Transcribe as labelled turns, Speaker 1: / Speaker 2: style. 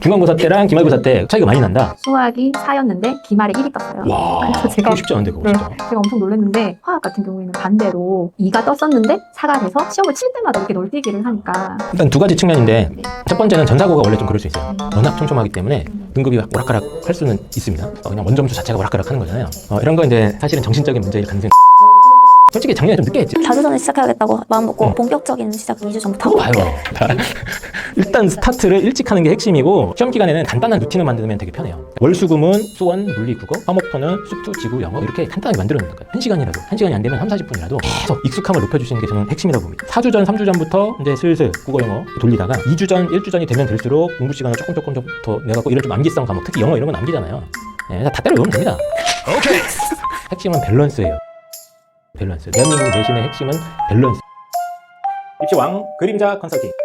Speaker 1: 중간고사 때랑 기말고사 때 차이가 많이 난다.
Speaker 2: 수학이 4였는데 기말에 1이 떴어요.
Speaker 1: 와,
Speaker 2: 그래서
Speaker 1: 그거 쉽지 않은데 그거
Speaker 2: 네,
Speaker 1: 진짜.
Speaker 2: 제가 엄청 놀랐는데 화학 같은 경우에는 반대로 2가 떴었는데 4가 돼서 시험을 칠 때마다 이렇게 널뛰기를 하니까.
Speaker 1: 일단 두 가지 측면인데
Speaker 2: 네.
Speaker 1: 첫 번째는 전사고가 원래 좀 그럴 수 있어요. 워낙 촘촘하기 때문에 등급이 오락가락 할 수는 있습니다. 그냥 원점수 자체가 오락가락 하는 거잖아요. 이런 거 이제 사실은 정신적인 문제일 가능성이 솔직히 작년에 좀 늦게 했지.
Speaker 3: 4주 전에 시작해야겠다고 마음먹고 본격적인 시작은 2주 전부터 하고
Speaker 1: 봐요. 일단 스타트를 일찍 하는 게 핵심이고 시험 기간에는 간단한 루틴을 만들면 되게 편해요. 월수금은 수원, 물리, 국어, 화목토는 수투, 지구, 영어 이렇게 간단하게 만들어 놓는 거예요. 1시간이라도 1시간이 안 되면 3, 40분이라도 계속 익숙함을 높여주시는 게 저는 핵심이라고 봅니다. 4주 전, 3주 전부터 이제 슬슬 국어, 영어 돌리다가 2주 전, 1주 전이 되면 될수록 공부 시간을 조금 더 내갖고 이런 좀 암기성 과목 특히 영어 이런 건 암기잖아요. 다 때려 외우면 됩니다. 오케이. 핵심은 밸런스예요. 밸런스. 대한민국 내신의 핵심은 밸런스. 입시왕 그림자 컨설팅.